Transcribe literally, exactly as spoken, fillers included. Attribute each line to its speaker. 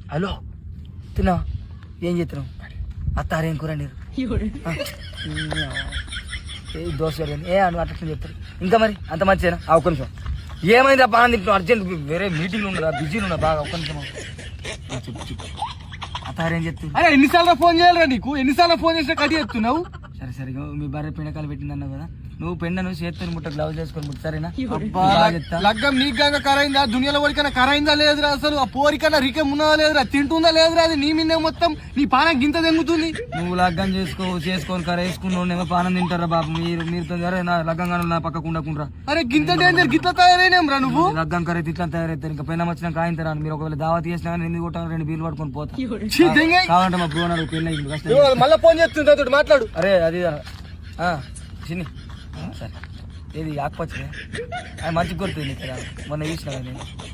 Speaker 1: hello తిన్నా ఏం చేస్తున్నావు అత్తారేం కూర నీరు దోశ ఏ అను అట్లా చెప్తారు ఇంకా మరి అంత మంచిదేనా ఆ ఒక్క నిమిషం ఏమైంది బాగా తింటున్నావు అర్జెంట్ వేరే మీటింగ్లు ఉన్నదా బిజీలు ఉన్నా బాగా ఒక్క నిమిషం చెప్పు చెప్పు అత్తారేం చెప్తుంది
Speaker 2: అరే ఎన్నిసార్లు ఫోన్ చేయాలరా నీకు ఎన్నిసార్లు ఫోన్ చేసినా కట్ చేస్తున్నావు
Speaker 1: సరే సరే మీ భార్య పెండకాలు పెట్టిందన్నావు కదా నువ్వు పెండను చేతుని ముట్ట గ్లౌజ్ చేసుకొని ముట్టు సరేనా
Speaker 2: లగ్గం నీకు గంగ కరైందా దునియాలో వరకైనా కరైందా లేదురా అసలు ఆ పోరికన్నా రికం ఉన్నదా లేదురా తింటుందా లేదురా అది నీ మీద మొత్తం నీ పానం గింత తెంగుతుంది
Speaker 1: నువ్వు లగ్గం చేసుకో చేసుకొని కర వేసుకున్నావు పానం తింటారా బాబు మీరు మీరు నా లగ్గంగా నా పక్కకు ఉండకుండా
Speaker 2: అరే గింత డేంజర్ గిట్ల తయారైనాం రా నువ్వు
Speaker 1: లగ్గం కర ఇట్లా తయారైతారు ఇంకా పైన వచ్చినా కాయింతారా మీరు ఒకవేళ దావా తీసినా కానీ ఎనిమిది కొట్టాలి రెండు బీర్లు పట్టుకొని పోతా కావాలంటే మా బ్రోనాడు పెళ్ళి
Speaker 2: మళ్ళీ ఫోన్ చేస్తుంది మాట్లాడు
Speaker 1: అరే అది చిన్ని సరే ఏది ఆకుపచ్చ అది మంచిగా కొడుతుంది కదా మొన్న చూసిన కానీ